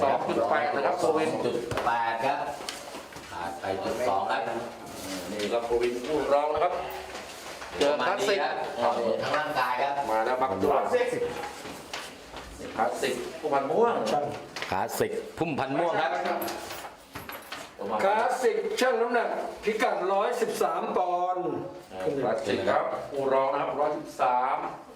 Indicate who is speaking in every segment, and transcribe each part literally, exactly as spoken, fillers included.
Speaker 1: สองจุดแปดนะครับโควิน
Speaker 2: จุดแปดครับขาดไปจุดสองครับ
Speaker 1: นี่ก็โควินผู้รองนะครับเจอคลาสสิก
Speaker 2: ทั้งร่างกายครับ
Speaker 1: มาแล้วบักด้วยคลาสสิกผู้พันม่วง
Speaker 2: คลาสสิกพุ่มพันธุ์ม่วงครับ
Speaker 3: คลาสสิกช่างน้ำหนักพิกัดร้อยสิบสามปอนด์
Speaker 1: คลาสสิกครับผู้รองนะครับร้อยสิบสาม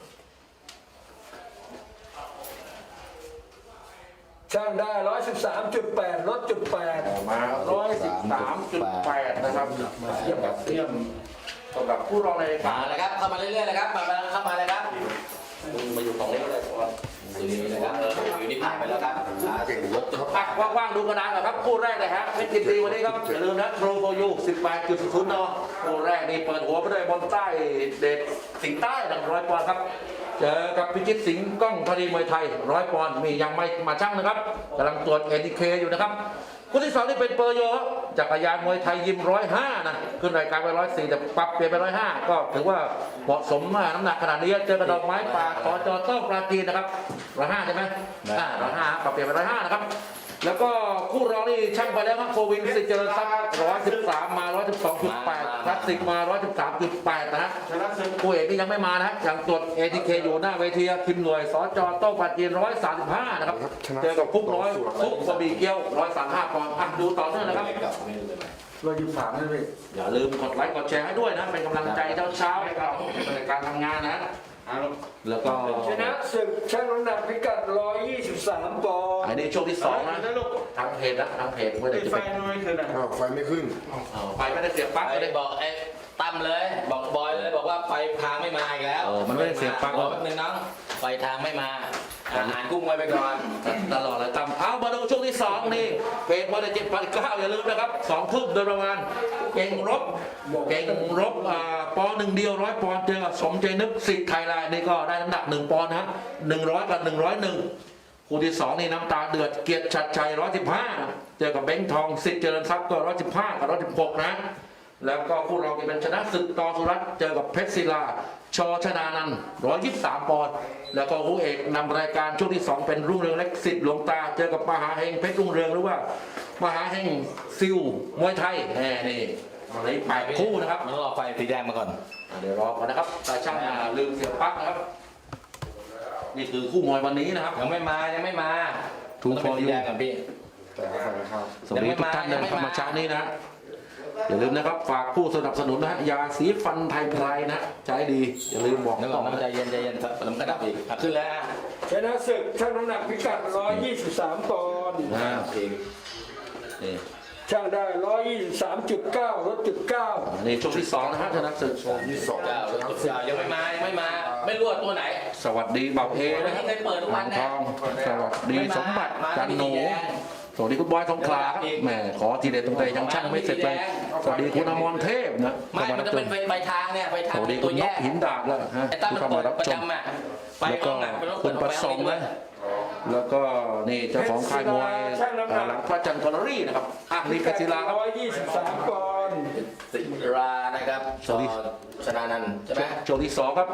Speaker 3: ช่างได้ร้อยสิบสามจุดแปดลดจุดแปด
Speaker 1: มาร้อยสิบสามจุดแปดนะครับเทียบกับเทียมสำหรับผู้รองในรายกา
Speaker 2: มาร เลยครับเข้ามาเรื่อยๆเลยครับมาเข้ามาเลยครับ
Speaker 1: คุณมาอยู่ตรงนี้ก็ได้ก่อน
Speaker 2: อยู่นี่นะครับเอออยู่นี่ผ่านไปแล้วครับเก่งยกจุด
Speaker 1: อ่ะว่างๆดูกระดานก่อนครับคู่แรกเลยฮะเพชรยินดีวันนี้ครับอย่าลืมนะโทรโกยูสิบแปดจุดศูนย์นคู่แรกนี่เปิดหัวไปด้วยบอลใต้เด็ดสิงห์ใต้หนึ่งร้อยปอนด์ครับเจอกับพิจิตรสิงห์ก้องธนีมวยไทยร้อยปอนด์มียังไม่มาชั่งนะครับกำลังตรวจเอทีเคอยู่นะครับคู่ที่สองนี่เป็นเปอร์โยครับจักรยานมวยไทยยิมร้อยห้านะขึ้นรายการไปร้อยสี่แต่ปรับเปลี่ยนไปร้อยห้าก็ถือว่าเหมาะสมมากน้ำหนักขนาดนี้เจอกระดอกไม้ป่าขอจอต้องปราจีนนะครับร้อยห้าใช่ไหมอ่าร้อยห้าปรับเปลี่ยนไปร้อยห้านะครับแล้วก็คู่รองนี่ช่างไปแล้วครับโควินสิเจริญทรัพย์ร้อยสิบสามมาร้อยสิบสองจุดแปดคลาสสิกมาร้อยสิบสามจุดแปดนะฮะคู่เอกนี่ยังไม่มานะฮะยังตรวจเอทีเคอยู่หน้าเวทีคิมหน่วยสจโต้งปราจีนร้อยสามสิบห้านะครับเจอกับคุกร้อยคุกบะหมี่เกี๊ยวร้อยสามห้าปอนด์อ่ะดูต่อเนื่องนะครับ
Speaker 3: ร้อยยี่สิบสามนี่พี่
Speaker 1: อย่าลืมกดไลค์กดแชร์ให้ด้วยนะ เป็นกำลังใจเช้าๆให้เราในการทำงานนะ แล้วก็
Speaker 3: ชนะศึกช่างน้ำหนักพิกัดร้อยยี่สิบสามปอนด์
Speaker 1: อันนี้ช่วงที่สองนะทางเพจนะทางเพจไม่ได้จะ
Speaker 4: ไฟ
Speaker 1: เป็น
Speaker 4: ไม่ขึ้นอ่ะ
Speaker 5: อ้าวไฟไม่ขึ้น
Speaker 1: เอาไปไม่ได้เสียบปลั๊ก
Speaker 2: ไป
Speaker 1: ไม่ได้
Speaker 2: บอกไอ้ตั้มเลยบอกบอยเลยบอกว่าไฟทางไม่มาอีกแล้ว
Speaker 1: เออมันไม่ได้เสียบปลั๊ก
Speaker 2: รอแป๊บนึงน้องไฟทางไม่มาอาหารกุ้งไว้ไปก่อน
Speaker 1: ตลอดเลยตามเอามาดูช่วงที่สองนี่เพจวันเจ็ดพันเก้าอย่าลืมนะครับสองทุ่มโดยประมาณเก่งรบเก่งรบอ่าปอนด์หนึ่งเดียวร้อยปอนด์เจอกับสมใจนึกสิทธิ์ไทยแลนด์นี่ก็ได้น้ำหนักหนึ่งปอนด์นะหนึ่งร้อยกับหนึ่งร้อยหนึ่งคู่ที่สองนี่น้ำตาเดือดเกียรติชัดชัยร้อยสิบห้าเจอกับเบ้งทองสิทธิ์เจริญทรัพย์ก็ร้อยสิบห้ากับร้อยสิบหกนะแล้วก็คู่รองเป็นชนะศึกต่อสุรัตน์เจอกับเพชรศิลาชชนานันท์ร้อยยี่สิบสามปอนด์แล้วก็คู่เอกนำรายการช่วงที่สองเป็นรุ่งเรืองเล็กสิทธิ์หลวงตาเจอกับมหาเฮงเพชรรุ่งเรืองหรือว่ามหาเฮงซิลมวยไทยแหมนี่มาเลยแปดคู่นะครับ
Speaker 2: มันต้องรอไฟสีแดงมาก่อน
Speaker 1: เดี๋ยวรอก่อนนะครับตาช่างอ่าลืมเสียบปลั๊กนะครับนี่คือคู่มวยวันนี้นะครับ
Speaker 2: ยังไม่มายังไม่มา
Speaker 1: ถูก
Speaker 2: ต้องเป็นสีแดงก่อนพี่
Speaker 5: แต่ก็ไฟครับ
Speaker 1: สวัสดีทุกท่านเลยนะครับมาเช้านี้นะอย่าลืมนะครับฝากผู้สนับสนุนนะฮะยาสีฟันไทยไพรนะใช้ดีอย่าลืมบอก
Speaker 2: นึกออกนะใจเย็นใจเย็นแล้วมันก็ดับอีกอ่ะขึ้นแล้วอ่ะ
Speaker 3: ชนะศึกช่างน้ำหนักพิกัดร้อยยี่สิบสามปอนด์
Speaker 1: นะ
Speaker 2: อีก
Speaker 1: นี่
Speaker 3: ช่างได้ร้อยยี่สิบสามจุดเก้าลดจุดเก้า
Speaker 1: นี่ช่วงที่สองนะฮะชนะศึก
Speaker 5: ที่สอง
Speaker 2: เก้าแล้วจุดเก้ายังไม่มายังไม่มาไม่รู้ว่าตัวไหน
Speaker 1: สวัสดีเบาเอ
Speaker 2: วัน
Speaker 1: นะค
Speaker 2: นี้
Speaker 1: รับ
Speaker 2: เคยเปิดทุกวัน
Speaker 1: ท
Speaker 2: นะ
Speaker 1: องสวัสดีสมบัติจันหนูสวัสดีคุณบอยทองคลาครับแหมขอทีเด็ดตรงใจยังช่างไม่เสร็จเลยสวัสดีคุณอมรเทพนะ
Speaker 2: ไม่มันจะเป็นไฟทางเนี่ยไฟ
Speaker 1: ส
Speaker 2: ทาง
Speaker 1: วัสดี
Speaker 2: ตั
Speaker 1: คุ
Speaker 2: ว
Speaker 1: ณน
Speaker 2: แย
Speaker 1: ก
Speaker 2: ก
Speaker 1: หินดาบแล้วฮะ
Speaker 2: ไอ้ตั้ม
Speaker 1: ที่
Speaker 2: มัน
Speaker 1: เข้า
Speaker 2: เปิ
Speaker 1: มา
Speaker 2: ด
Speaker 1: รับ
Speaker 2: ประ
Speaker 1: ชม
Speaker 2: จำอ่ะไฟ
Speaker 1: แล้ว
Speaker 2: ห้
Speaker 1: ก็
Speaker 2: องอ่ะมันต้อง
Speaker 1: คุ
Speaker 2: เปิ
Speaker 1: ณ
Speaker 2: ด
Speaker 1: ประสงค์นะแล้วก็นี่เจ้าของค่ายมวยอ่าหลังพระจันทร์คอลรี่นะครับอ่ะนี่เพชรศิลาครับ
Speaker 3: ร้อยยี่สิบสามปอนด์
Speaker 2: สิรานะครับ
Speaker 1: สวัสดี
Speaker 2: ชนานันท์ใช่ไหม
Speaker 1: ช่วงที่สองครับ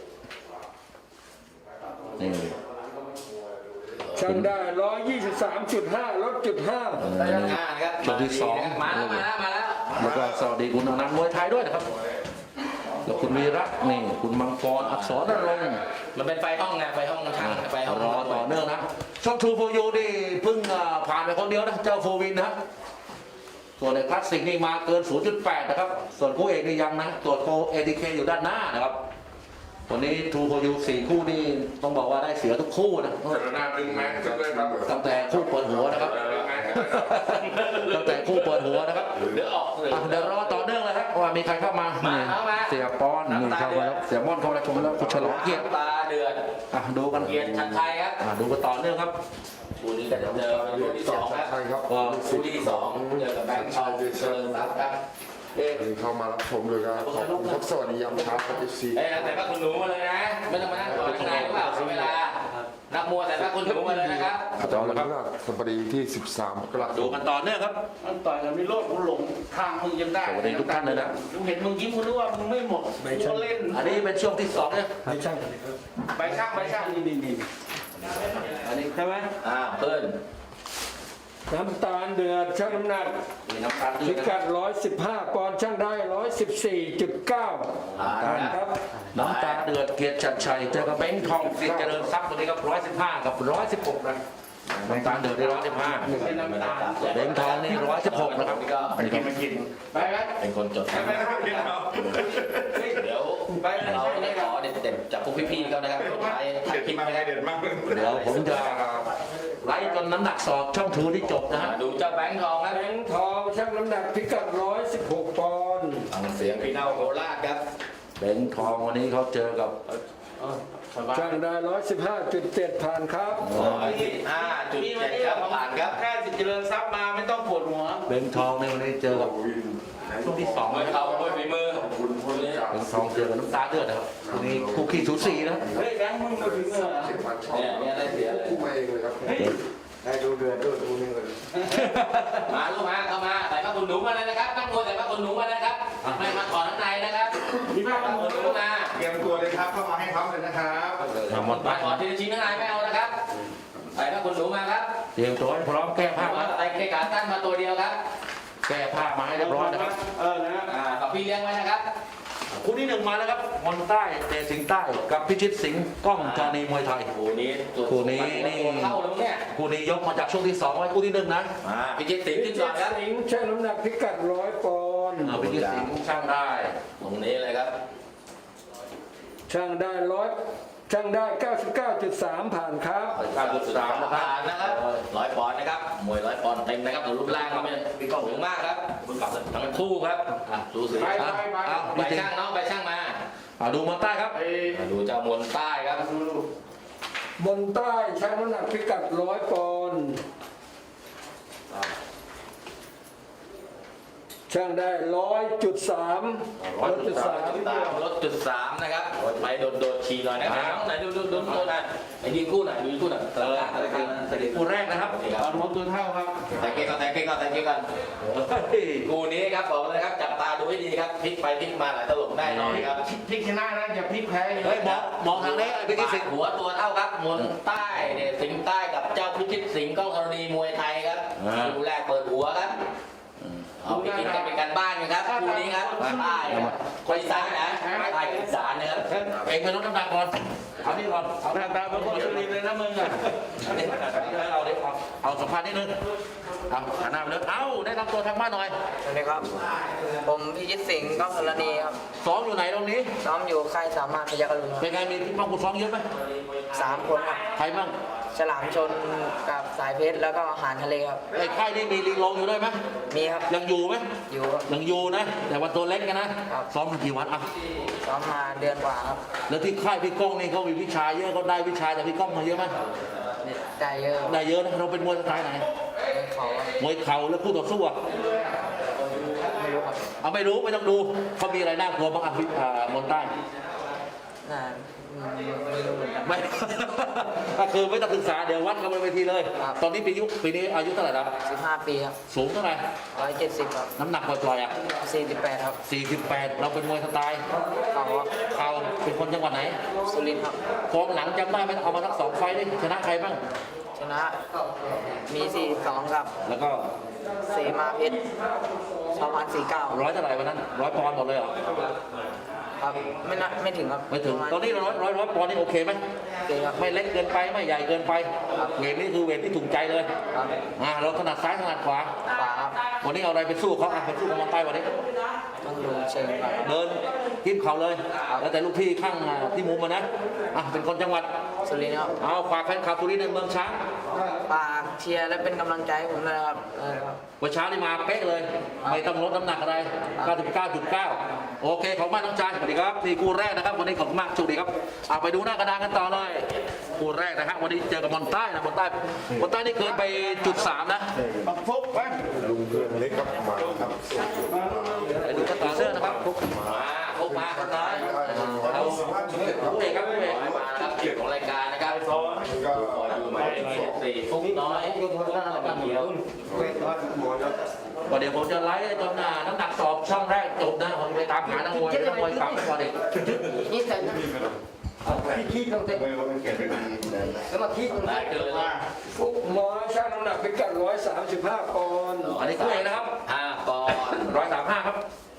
Speaker 1: นี่
Speaker 3: ช่างได้ร้อยยี่สิบสามจุดห้าลดจุดห้า
Speaker 2: ได้ทั้งห้านะครับ
Speaker 1: ช่วงที่สอง
Speaker 2: มาแล้วมาแล้วมาแล้ว
Speaker 1: แล้วก็สวัสดีคุณอนันต์มวยไทยด้วยนะครับแล้วคุณวีระนี่คุณมังกรอักษรนรงค์
Speaker 2: มันเป็นไฟห้องไงไฟห้องทางไฟห้อง
Speaker 1: รอต่อเนื่องนะช่องทูโฟยูนี่เพิ่งอ่าผ่านไปคนเดียวนะเจ้าโฟวินนะส่วนในคลาสสิกนี่มาเกิน ศูนย์จุดแปด นะครับส่วนคู่เอกนี่ยังนะตรวจโคเอทีเคอยู่ด้านหน้านะครับวันนี้ทูโฟยูสี่คู่นี่ต้องบอกว่าได้เสียทุกคู่นะ
Speaker 4: หน้าดึงแม็กซ์ด้วยครับ
Speaker 1: ตั้งแต่คู่เปิดหัวนะครับ ตั้งแต่คู่เปิดหัวนะครับ
Speaker 2: เดี๋ยวออกเลย
Speaker 1: อ่ะเดี๋ยวรอต่อเนื่องเลยครับว่ามีใครเข้ามา
Speaker 2: มา
Speaker 1: นี่
Speaker 2: เข้ามา
Speaker 1: เสียปอนนี่เข้ามาแล้วเสียม่อนเข้ามาแล้วชมแล้วคุณฉลองเกียรติ
Speaker 2: ตาเดือด
Speaker 1: อ่ะดูกัน
Speaker 2: เกียรติชัดไทยครับ
Speaker 1: อ่ะดูกันต่อเนื่องครับ
Speaker 2: คู่นี้ก็จะเจอคู่ที่สองครับ
Speaker 5: ใช่ครับ
Speaker 1: ก็
Speaker 2: คู่ที่สองเจอกับแบงค์ชาวเจริญรัตน์ครับ
Speaker 1: เอ๊ะ
Speaker 5: เข้ามารับชมเลยครับขอบคุณครับสวัสดียามเช้าครับเอฟซี
Speaker 2: เอ้ยแต่ว่าคุณหนูมาเลยนะไม่ต้องมานั่งรอข้างในหรือเปล่าเสียเวลานักมวยแต่ว่าคุณหนูมาเลยนะครับ
Speaker 5: อาจารย์วันพฤหัสบดีที่สิบสามมกราค
Speaker 1: ดู
Speaker 5: ม
Speaker 1: กันต่อเนื่องครับ
Speaker 4: มันต่อยกันไม่โลดกูหลงทางมึงยังได้
Speaker 1: สวัสดีทุกท่านเลยนะ
Speaker 4: กูเห็นมึงยิ้มกูรู้ว่ามึงไม่หมดกูก็เล่น
Speaker 1: อันนี้เป็นช่วงที่สองเนี่ย
Speaker 3: ไม่ใช่กันเลยครับ
Speaker 4: ใบช่างใบช่างนี่นี่นี่
Speaker 1: อันนี้
Speaker 4: ใช่ไหม
Speaker 2: อ้าวเพื่อน
Speaker 3: น้ำตาลเดือดชั่งน้ำหนัก
Speaker 1: มีน้ำตาลด้ว
Speaker 3: พิ
Speaker 1: ยนะค
Speaker 3: กั
Speaker 1: รับ
Speaker 3: ดร้อยสิบห้าปอนด์ช่างได้ร้อยสิบสี่จุดเก้า
Speaker 2: ผ่านครับ
Speaker 3: ครับ
Speaker 1: น้ำตาลเดือดเกียรติชัดชัยเจอกับเบ้งทองสิทธิ์เจริญทรัพย์ตัวนี้ครับร้อยสิบห้ากับร้อยสิบหกนะน้ำตาลเดือดได้ร้อยสิบห้าเบ้งทองนี่ร้อยสิบหกนะครับ
Speaker 2: นี่ก็
Speaker 1: อันนี้ก็ไม่กิน
Speaker 4: ไปไหม
Speaker 2: เป็นคนจดครับ
Speaker 4: ไปไหมครับเดี๋ยวเรา
Speaker 2: เดี๋ยวเราได้ขอเด็ดๆจากพวกพี่ๆเขานะครับสุดท้ายถ่ายคลิปไปแล้ว
Speaker 4: เด็ดมาก
Speaker 1: เดี๋ยวผมจะไล่จนน้ำหนักสอบช่องทูที่จบนะฮะ
Speaker 2: ดูเจ้าแบงค์ทองครับ
Speaker 3: แบงค์ทองช่างน้ำหนักพิกัดร้อยสิบหกปอนด์
Speaker 2: ฟังเสียงพี่เน่าโคราชครับ
Speaker 1: เบ้งทองวันนี้เขาเจอกับ
Speaker 3: ช่างได้ร้อยสิบห้าจุดเจ็ดผ่านครับ
Speaker 2: ร้อยสิบห้าจุด
Speaker 4: มี
Speaker 2: เจ็
Speaker 4: วั
Speaker 2: ด
Speaker 4: นนี้
Speaker 2: ครับ
Speaker 4: ของ
Speaker 2: ผ่านครับ
Speaker 4: แค่สิทธิ์เจริญทรัพย์มาไม่ต้องปวดหัว
Speaker 1: เบ้งทองในวันนี้เจอกับช่วงที่สอง
Speaker 2: มวย
Speaker 1: นะค
Speaker 2: เข่า
Speaker 1: รับ
Speaker 2: มวยฝีมือ
Speaker 1: เบ้งทองเจอกับน้ำตาลเดือดนะครับวันนี้คู่ขี้สูสีนะ
Speaker 4: เฮ้ยแบงค์มึงมาถึงเหรอ
Speaker 2: เนี่ยเนี่ยได้เสียเลย
Speaker 5: คู่มาเองเลยครับ ได้ดูเดือดด้วยดูนี่เลย
Speaker 2: มาลูกมาเข้ามาใส่ผ้าขนหนูมาเลยนะครับนักมวยใส่ผ้าขนหนูมานะครับไม่มาถอดข้างในนะครับมีผ้าขนหนูมา
Speaker 4: เตรียมตัวเลยครับเข้ามาให้พร้อมเลยนะครับ
Speaker 1: มาหมดไป
Speaker 2: มาถอดทีละชิ้นข้างในไม่เอานะครับใส่ผ้าขนหนูมาครับ
Speaker 1: เตรียมตัวให้พร้อมแก้ผ้า
Speaker 2: มา
Speaker 1: มา
Speaker 2: ใส่เกขาตั้นมาตัวเดียวครับ
Speaker 1: แก้ผ้ามาให้เรียบร้อยนะครับ
Speaker 4: เออนะ
Speaker 2: อ่ากับพี่เลี้ยงไว้นะครับ
Speaker 1: คู่ที่หนึ่งมาแล้วครับมนใต้เดชสิงห์ใต้กับพิชิตสิงห์ก้องธานีมวยไทย
Speaker 2: คู่นี้ตัว
Speaker 1: คู่นี้นี่
Speaker 2: ตัวเข้าแล้วเนี่ย
Speaker 1: คู่นี้ยกมาจากช่วงที่สองไว้คู่ที่หนึ่งนะ
Speaker 2: มาพิจิตรสิงห์ขึ้นก่อนครับ
Speaker 3: สิงห์ช่างน้ำหนักพิกัดร้อยปอนด์
Speaker 1: เอาพิชิตสิงห์ช่างได้
Speaker 2: ตรงนี้เลยครับ
Speaker 3: ช่างได้ร้อยช่างได้ เก้าสิบเก้าจุดสาม ผ่านครับ
Speaker 1: เก้าจุดสามนะครับ
Speaker 2: ผ่านนะครับร้อยปอนด์นะครับมวยร้อยปอนด์เต็มนะครับรูปร่างก็ไม่สูงมากครับทั้งคู่ครับอ่ะดูสิ
Speaker 4: ไป
Speaker 2: ครับ
Speaker 4: ไปไป
Speaker 1: เอา
Speaker 2: ไป
Speaker 1: พิชิต
Speaker 2: ช่างน้องไปช่างมา
Speaker 1: เอาดูมนใต้ครับ
Speaker 2: มาดูเจ้ามนใต้ครับ
Speaker 3: มนใต้ช่างน้ำหนักพิกัดร้อยปอนด์ช่างได้ร้อยจุดสามร้อยจุดสาม
Speaker 2: ตามรถจุดสามนะครับไปโดดโดดขี่หน่อยนะครับไหนดูดูดูดูหน่อยไอ้ยืนคู่หน่อยดูยืนคู่หน่อยตะลาตะลาตะลา
Speaker 1: คู่แรกนะครับ
Speaker 4: ตอนรถตัวเท่าครับ
Speaker 2: แต่เก่งก่อนแต่เก่งก่อนแต่เก่งก่อน
Speaker 1: เฮ้ย
Speaker 2: คู่นี้ครับบอกเลยครับจับตาดูให้ดีครับพลิกไปพลิกมาหลายตลบได้น้อยครับ
Speaker 4: พลิกชนะนะอย่าพลิกแพ้
Speaker 1: เฮ้ยมองมองทางนี้ไอ้พิชิตสิงห์
Speaker 2: หัวตัวเท่าครับมนใต้เนี่ยสิงห์ใต้กับเจ้าพิชิตสิงห์ก้องธรณีมวยไทยครับคู่แรกเปิดหัวครับเอาไปกินกันเป็นการบ้านกันครับคู่นี้ครับใต้ครับคนอีสานนะใต้กับอีสานนะครับ
Speaker 1: เองไปลดน้ำหนักก่อนเอานี่ก่อนเอา
Speaker 4: หน้าตาเป็นคนสุรินทร์เลยนะมึงอ่ะ
Speaker 1: อันนี้เอาดิเอาเอาสัมภาษณ์นิดนึงเอาหันหน้าไปเลยเอาได้นำตัวทางบ้านหน่อย
Speaker 6: สวัสดีครับ ผมพิชิตสิงห์ก้องธรณีครับ
Speaker 1: ซ้อมอยู่ไหนตรงนี้
Speaker 6: ซ้อมอยู่ค่ายสามารถพยัคฆ์อรุณครับ
Speaker 1: เป็นไงมีพี่บ้างคุณซ้อมเยอะไหม
Speaker 6: สามคนครับ
Speaker 1: ใครบ้าง
Speaker 6: ฉลามชนกับสายเพชรแล้วก็อาหารทะเลครับ
Speaker 1: ไอ้ค่ายนี่มีลิงลงอยู่ด้วยไหม
Speaker 6: มีครับ
Speaker 1: ยังอยู่ไหม
Speaker 6: อยู่ครับ
Speaker 1: ยังอยู่นะ แต่ว่าตัวเล็กกันนะครับ ซ้อมกันกี่วันอ่ะ
Speaker 6: ซ้อมมาเดือนกว่าครับ
Speaker 1: แล้วที่ค่ายพี่ก้องนี่เขามีวิชาเยอะเขาได้วิชาจากพี่ก้องมาเยอะไหม
Speaker 6: ได้เยอะครับ
Speaker 1: ได้เยอะนะเราเป็นมวยสไตล์ไหน
Speaker 6: เขาครับ
Speaker 1: มวยเข่าแล้วคู่ต่อสู้อ่ะ
Speaker 6: ไม่รู้ครับ
Speaker 1: เอาไม่รู้ไม่ต้องดูเขามีอะไรน่ากลัวบ้างอ่ะพี่อ่ามนใต้
Speaker 6: น่าอืมไม่รู้เหมือนกัน
Speaker 1: ไม่ ก็คือไม่ต้องศึกษาเดี๋ยววัดกันบนเวทีเลย
Speaker 6: ครับ
Speaker 1: ตอนนี้ปียุปีนี้อายุเท่าไหร่แล้ว
Speaker 6: สิบห้าปีครับ
Speaker 1: สูงเท่าไหร่
Speaker 6: ร้อยเจ็ดสิบครับ
Speaker 1: น้ำหนักปล่อยๆอ่ะ
Speaker 6: สี่สิบแปดครับ
Speaker 1: สี่สิบแปดเราเป็นมวยสไตล์
Speaker 6: เขาครับ
Speaker 1: เข่าเป็นคนจังหวัดไหน
Speaker 6: สุรินทร์ครับ
Speaker 1: ฟองหลังจำได้ไหมเอามาทั้งสองไฟล์ดิชนะใครบ้าง
Speaker 6: ชนะมีสี่สองกับ
Speaker 1: แล้วก็
Speaker 6: เสมาเพชรสองพันสี่เก้า
Speaker 1: ร้อยเท่าไหร่วันนั้นร้อยปอนด์หมดเลยเหรอ
Speaker 6: ครับไม่น่าไม่ถึงครับ
Speaker 1: ไม่ถึง
Speaker 6: ประาณ
Speaker 1: ตอนนี้ร้อยร้อยร้อยปอนด์นี่โอเคไหม
Speaker 6: โอเคครับ
Speaker 1: ไม่เล็กเกินไปไม่ใหญ่เกินไป
Speaker 6: ครับ
Speaker 1: เวทนี่คือเวทที่ถูกใจเลย
Speaker 6: ครับ
Speaker 1: อ่าเราถนัดซ้ายถนัดขวา
Speaker 6: ขวาครับ
Speaker 1: วันนี้เอาอะไรไปสู้เขาอ่ะไปสู้กับมนใต้วันนี้
Speaker 6: ต้องดูเชิงครับ
Speaker 1: เดินทิมเขาเลย แล้วแต่ลูกพี่ข้างอ่าที่มุมมานะอ่ะเป็นคนจังหวัด
Speaker 6: สุรินทร์ครับ
Speaker 1: เอาฝากแฟนคลับสุรินทร์ในเมืองช้าง
Speaker 6: ฝากเชียร์และเป็นกำลังใจให้ผมด้วยนะครับเออครับ
Speaker 1: วันเช้านี่มาเป๊ะเลย ไม่ต้องลดน้ำหนักอะไร เก้าสิบเก้าจุดเก้า โอเค ขอบคุณมากน้องชายสวัสดีครับนี่คู่แรกนะครับ วันนี้ขอบคุณมากโชคดีครับเอาไปดูหน้ากระดานกันต่อเลยคู่แรกนะฮะวันนี้เจอกับมอนใต้นะมอนใต้มอนใต้นี่เกินไปจุดสามนะ
Speaker 4: ปักฟุกไป
Speaker 5: ลุงเพื่อนเล็กครับมาครับ
Speaker 1: ไปดูกันต่อเนื่องนะครับ
Speaker 2: มาพบมาครับน้อย
Speaker 1: เอาผู้เอกครับผู้เอก
Speaker 2: มาครับเกียรติของรายการนะครับขออยู่หมายเลขสี่ฟุกน้อยเขียว
Speaker 1: ก็เดี๋ยวผมจะไลฟ์จนหน้าน้ำหนักสอบช่องแรกจบนะผมไปตามหานักมวยนักมวยกลับไปก่อนอีก
Speaker 3: พี่คิดต้องเตะ
Speaker 5: ไม่รู้มันเก็บไม่ดีนะ
Speaker 3: แล้วมาคิดต้อง
Speaker 2: ได้
Speaker 3: เตะ
Speaker 2: เกินเลย
Speaker 3: ฟุกมอยช่างน้ำหนักพิกัดร้อยสามสิบห้าปอนด์
Speaker 1: อันนี้คู่เอกนะครับ
Speaker 2: ห้าปอนด์
Speaker 1: ร้อยสามห้าครับ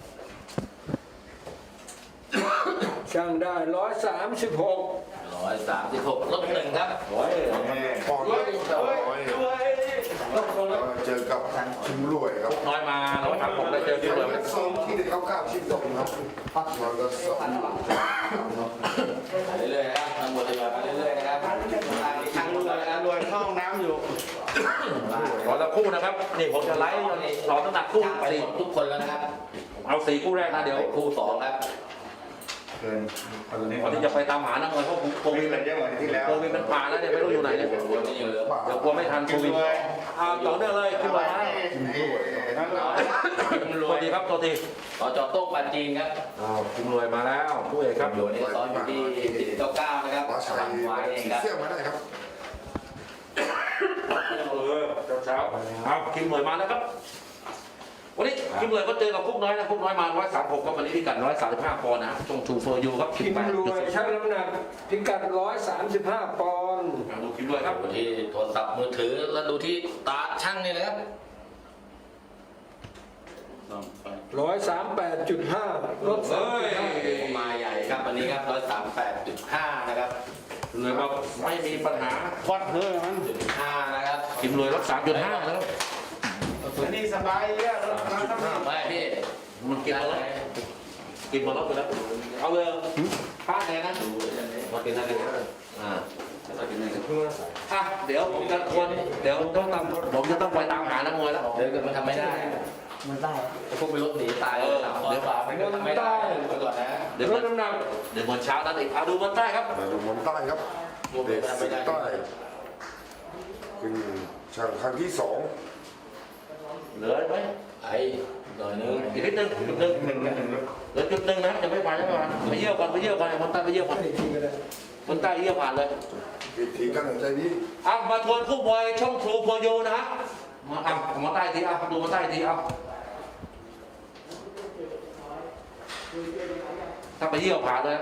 Speaker 3: ช่างได้ร้อยสามสิบหก
Speaker 2: ร้อยสามสิบหกลบหนึ่งครับ
Speaker 1: โอ้ย
Speaker 5: ปอนด์ละร้อยเจอกับชิมรวยครับ
Speaker 1: น้อยมาร้อยสามหกได้เจอคิวเลย
Speaker 5: นักซ้อมที่ได้เข้าก้าวชิมตกครับมันก็สอง
Speaker 2: ไปเรื่อยๆนะครับทำบททยอยไปเรื่อยๆนะครับทางลูกนะครับ
Speaker 4: รวยเข้าห้องน้ำอยู่
Speaker 1: ร้อยละคู่นะครับ นี่ผมจะไลฟ์สองน้ำหนักคู่
Speaker 2: ไป
Speaker 1: สี่
Speaker 2: หมดทุกคนแล้วนะครับ
Speaker 1: เอาสี่คู่แรกนะเดี๋ยว
Speaker 2: คู่สองครับ
Speaker 5: เกินตอนนี้
Speaker 1: วันนี้จะไปตามหานักมวยเพราะโควิด
Speaker 5: เป็นเยอะกว่าที่แล้ว
Speaker 1: โควิดมันผ่านแล้วเนี่ยไม่รู้อยู่ไหนเนี่ย
Speaker 2: วันนี้อยู่เหลือ
Speaker 1: เดี๋ยวกลัวไม่ทันโควิดเอาต่อเนื่องเลยขึ้นมา
Speaker 5: ชิมรวย
Speaker 2: พิมพ์ร
Speaker 1: ส
Speaker 2: ว
Speaker 1: วั
Speaker 2: ย
Speaker 1: สดีครับตัวที
Speaker 2: ต่อจอโต้งปันจีนครับ
Speaker 1: อ้าวคุณรวยมาแล้วคู่เอกครับ
Speaker 2: อยู่นี่ซ้อนอยู่ที่สิบเก้าเก้านะครับ
Speaker 5: ว่า
Speaker 2: กำ
Speaker 5: ใช้
Speaker 2: ลังวายเองครับ
Speaker 5: เสื้อมาได้ครับ
Speaker 1: เออเช้าๆเอาคิมรวยมาแล้วครับวันนี้คิมรวยก็เจอกับคุกน้อยนะคุกน้อยมาร้อยสามหกก็วันนี้พิกัดร้อยสามสิบห้าปอนด์นะช่วงทูโฟยูครับ
Speaker 3: พิมพ์รวยช่างน้ำหนักพิกัดร้อยสามสิบห้าปอนด์
Speaker 1: ดูคิมรวยครับ
Speaker 2: ดูที่โทรศัพท์มือถือแล้วดูที่ตาช่างนี่เลยครับ
Speaker 3: ร้อยสามแปดจุดห้าลดสาม
Speaker 1: เฮ้ย
Speaker 3: จุดห้า
Speaker 2: มาใหญ่ครับวันนี้ครับร้อยสามแปดจุดห้านะครับ
Speaker 1: เลยว่าไม่มีปัญหา
Speaker 4: ควัดเพื่อมัน
Speaker 2: จุดห้านะครับ
Speaker 1: คิมรวยรับสามจุดห้าแล้ว
Speaker 4: อันนี้สบายเลยรถน้ำน้ำ
Speaker 2: ไม่พี่
Speaker 1: มันกินมาแล้วกินมาแล้วไปแล้วเอาเลยป้าแดงนะมากินอะไรกันอ่าอ่ะเดี๋ยวผมจะควรเดี๋ยวต้องตามผมจะต้องไปตามหานักมวยแล้ว
Speaker 2: เดี๋ยวมันทำไม่ได้มันได้พวกไปรถหนีตายเลยสามร้อยกว่ามันก็ทำไม่ได้ไปก่อนนะ
Speaker 1: เดี๋ยว
Speaker 3: ล
Speaker 1: มั
Speaker 3: ด
Speaker 1: น
Speaker 3: น้ำหนัก
Speaker 1: เดี๋ยวมันเช้านั้นอีกเอาดูมันใต้ครับ
Speaker 5: มาดูมนใต้ครับเด็กสิงใต้เป็นช่างครั้งที่สอง
Speaker 1: เหลือไหม
Speaker 2: ไอ้หน่อยนึง
Speaker 1: อีกนิดนึงจุดหนึ่งเหลือจุดหนึ่งนะจะไม่ผ่านจะไม่ผ่านไปเยี่ยวก่อนไปเยี่ยวก่อนมันใต้ไปเยี่ยวก่อน
Speaker 3: อีกทีก็ได้
Speaker 1: มันใต้เยี่ยวผ่านเลย
Speaker 5: อีกทีกันหายใจดี
Speaker 1: อ่ะมาทวนคู่มวยช่องทรูโพยูนะฮะมาอ่ะมาใต้ทีอ่ะดูมาใต้ทีเอาถ้าไปเยี่ยวผ่านเลย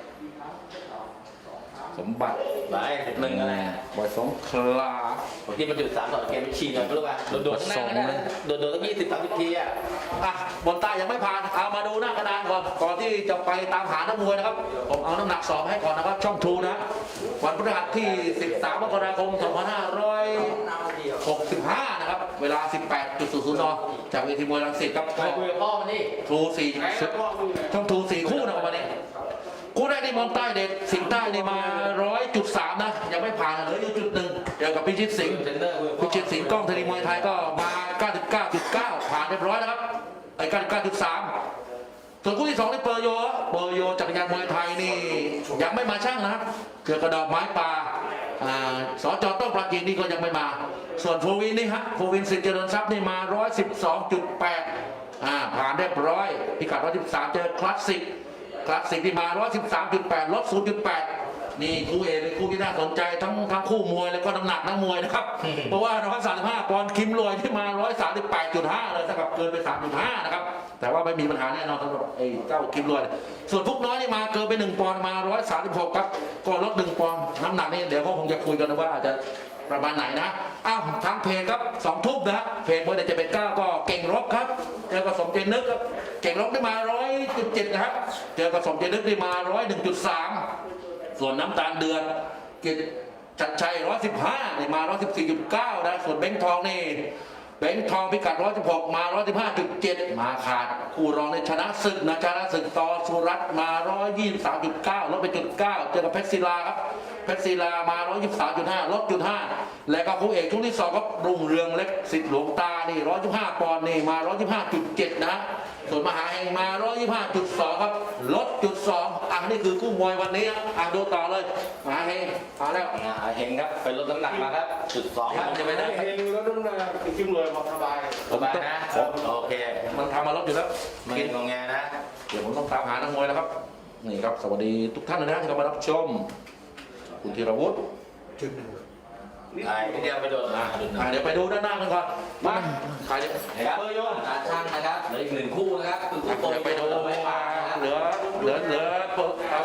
Speaker 1: สมบัติ
Speaker 2: ไปหนึ่งอะไร
Speaker 1: บอยสงขลา
Speaker 2: ที่มันจุดสามต่อเกมฉีกหน่อยไม่รู้ป่ะโดดๆข้างหน้าก็ได้นะโดดๆตั้งยี่สิบสามสิบทีอ่ะ
Speaker 1: อ่ะบนใต้ยังไม่ผ่านเอามาดูหน้ากระดานก่อนก่อนที่จะไปตามหานักมวยนะครับผมเอาน้ำหนักสอบให้ก่อนนะครับช่องทรูนะวันพฤหัสที่สิบสามมกราคมสองพันห้าร้อยหกสิบห้านะครับเวลา สิบแปดจุดศูนย์ศูนย์ นจากเวทีมวยรังสิตครับ
Speaker 2: ไปคุยกับพ่อมันนี่
Speaker 1: ทรูสี่ช่องทรูสี่คู่นะครับวันนี้คู่แรกนี่มองใต้เด็กสิงห์ใต้นี่มาร้อยจุดสามนะยังไม่ผ่านเหลืออยู่จุดหนึ่งเดี๋ยวกับพิชิตสิงห์
Speaker 2: เทรนเนอร์คุยกับพ่
Speaker 1: พิ
Speaker 2: อ
Speaker 1: ชิตสิงห์กล้องธนีมวยไทยก็มา เก้าสิบเก้าจุดเก้า ผ่านเรียบร้อยนะครับไอ้ เก้าสิบเก้าจุดสาม ส่วนคู่ที่สองนี่เปอร์โยเปอร์โยจักรยานมวยไทยนี่ยังไม่มาช่างนะครับเกี่ยวกับดอกไม้ป่าอ่าสจต้องปราจีนนี่ก็ยังไม่มา ส่วนโฟวินนี่ฮะโฟวินสิทธิ์เจริญทรัพย์นี่มา หนึ่งร้อยสิบสองจุดแปด อ่าผ่านเรียบร้อยพิกัดหนึ่งร้อยสิบสามเจอคลาสสิกคลาสสิกที่มา หนึ่งร้อยสิบสามจุดแปด ลด ศูนย์จุดแปด นี่คู่เอกเป็นคู่ที่น่าสนใจทั้งทั้งคู่มวยแล้วก็น้ำหนักนักมวยนะครับ เพราะว่าหนึ่งร้อยสามสิบห้าปอนด์คิมรวยที่มา หนึ่งร้อยสามสิบแปดจุดห้า เลยเท่ากับเกินไป สามจุดห้า นะครับแต่ว่าไม่มีปัญหาแน่นอนสำหรับไอ้เจ้าคิมรวยส่วนพวกน้อยนี่มาเกินไปหนึ่งปอนด์มา หนึ่งร้อยสามสิบหก ครับก็ลดหนึ่งปอนด์น้ำหนักนี่เดี๋ยวก็คงจะคุยกันนะว่าอาจจะประมาณไหนนะอ้าวทางเพจครับสองทุ่มนะเพจเบอร์เจ็ดเป็นเก้าก็เก่งรบครับเจอกับสมเจนึกครับเก่งรบได้มา หนึ่งร้อยจุดเจ็ด นะครับเจอกับสมเจนึกได้มา หนึ่งร้อยหนึ่งจุดสาม ส่วนน้ำตาลเดือนกิจจัดชัยหนึ่งร้อยสิบห้านี่มา หนึ่งร้อยสิบสี่จุดเก้า นะส่วนเบ้งทองนี่เบ้งทองพิกัดหนึ่งร้อยสิบหกมา หนึ่งร้อยสิบห้าจุดเจ็ด มาขาดคู่รองในชนะศึกนะชนะศึกต่อสุรัตน์มา หนึ่งร้อยยี่สิบสามจุดเก้า ลดไปจุดเก้า เจอกับเพชรศิลาครับเพชรศิลามา หนึ่งร้อยยี่สิบสามจุดห้า ลดจุดห้า และก็คู่เอกช่วงที่สองก็รุ่งเรืองเล็กสิทธิ์หลวงตานี่หนึ่งร้อยยี่สิบห้าปอนด์นี่มา หนึ่งร้อยยี่สิบห้าจุดเจ็ด นะส่วนมหาเฮงมา หนึ่งร้อยยี่สิบห้าจุดสอง ครับลดจุดสองอ่ะนี่คือคู่มวยวันนี้อ่ะดูต่อเลยมหาเฮงมาแล้ว
Speaker 2: อ่าเฮงครับไปลดน้ำหนักมาครับจุดสองครับ
Speaker 1: จะไปได้
Speaker 3: เองลดน้ำหนัก
Speaker 4: จิ้มรวยบอกสบาย
Speaker 2: สบายนะโอเค
Speaker 1: มันทำมาลดอยู่แล้ว
Speaker 2: ไม่งงแงนะ
Speaker 1: เดี๋ยวผมต้องตามหานักมวยแล้วครับนี่ครับสวัสดีทุกท่านเลยนะที่เข้ามารับชมคุณธีรวุฒิ
Speaker 3: จุดหนึ่ง
Speaker 2: ไอ้เดียวไปโดนอ่ะ
Speaker 1: อ่ะเดี๋ยวไปดูด้านหน้ากันก่อนมาใครเนี่ย
Speaker 2: นะครับตาช่างนะครับเหลืออีกหนึ่งคู่นะครับคือคู่โปร
Speaker 1: เดี๋ยวไปดู
Speaker 2: ไม่ผ่านนะครับ
Speaker 1: เหลือเหลือเหลือโปรโปร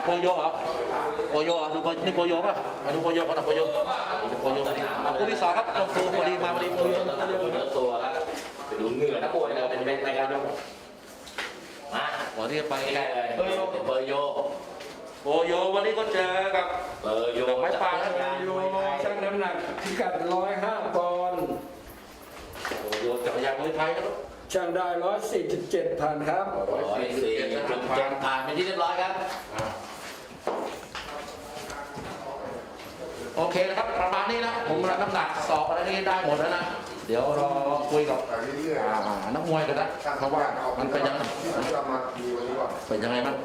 Speaker 1: โยเหรอโปโยเหรอดูโปนี่โปโยป่ะมาดูโปโยก่อนนะโปโยดูโปโยอ่ะคู่ที่สองครับต้องตัวพอดีมาพอดีโปโย
Speaker 2: เนื้อตัวครับไปดูเหงื่อนักมวยเลยเป็นเป็นรายการมา
Speaker 1: วันนี้ไป
Speaker 2: ใกล้เลยเปอร์โย
Speaker 1: โปโยวันนี้ก็เจอกับ
Speaker 2: เปอร์โย
Speaker 1: ไม้ปลา
Speaker 2: จักรยาน
Speaker 3: โย
Speaker 2: มวยไทย
Speaker 3: ชั่งน้ำหนักพิกัดร้อยห้าปอนด์
Speaker 1: โปโยจักรยานมวยไทยครับ
Speaker 3: ช่างได้ร้อยสี่สิบเจ็ดผ่านครับ
Speaker 2: ร้อยสี่สิบเจ็ดผ่านเป็นที่เรียบร้อยครับ
Speaker 1: โอเคนะครับประมาณนี้นะผมรับน้ำหนักสอบอะไรนี่ได้หมดแล้วนะเดี๋ยวรอคุยกับ
Speaker 5: แต่เรื่อย
Speaker 1: อ่านักมวยกันนะ
Speaker 5: ๆ
Speaker 1: เพราะว่ามันเป็นยังไง
Speaker 5: ที่ผมจะมาดีวันนี้ก่อน
Speaker 1: เป็นยังไงบ้าง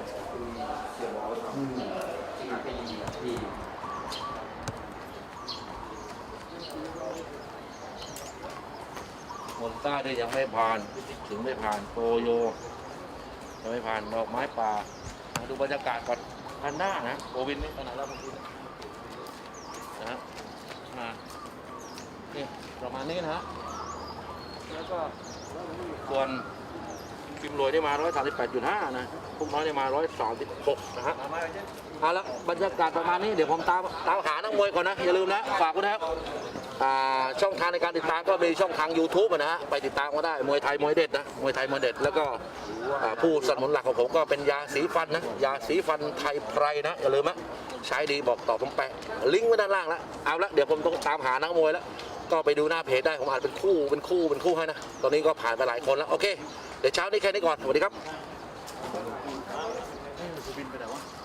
Speaker 1: มนต้าด้วยยังไม่ผ่านถึงไม่ผ่านโปโยยังไม่ผ่านดอกไม้ป่ามาดูบรรยากาศก่อนพันหน้านะโอวินนี่ขนาดแล้วบางทีนะฮะมานี่ประมาณนี้นะฮะแล้วก็ส่วนคิมโรยได้มา ร้อยสามสิบแปดจุดห้า นะพวกน้อยได้มา ร้อยสามสิบหก นะฮะเอาละบรรยากาศประมาณนี้เดี๋ยวผมตามตามหานักมวยก่อนนะ อย่าลืมนะ ฝากไว้นะครับอ่าช่องทางในการติดตามก็มีช่องทาง YouTube อะนะฮะไปติดตามก็ได้มวยไทยมวยเด็ดนะมวยไทยมวยเด็ดแล้วก็อ่าผู้สนับสนุนหลักของผมก็เป็นยาสีฟันนะยาสีฟันไทยไพรนะอย่าลืมนะใช้ดีบอกต่อผมแปะลิงก์ไว้ด้านล่างแล้วเอาละเดี๋ยวผมต้องตามหานักมวยแล้วก็ไปดูหน้าเพจได้ผมอ่านเป็นคู่เป็นคู่เป็นคู่ให้นะตอนนี้ก็ผ่านไปหลายคนแล้วโอเคเดี๋ยวเช้านี้แค่นี้ก่อนสวัสดีครับ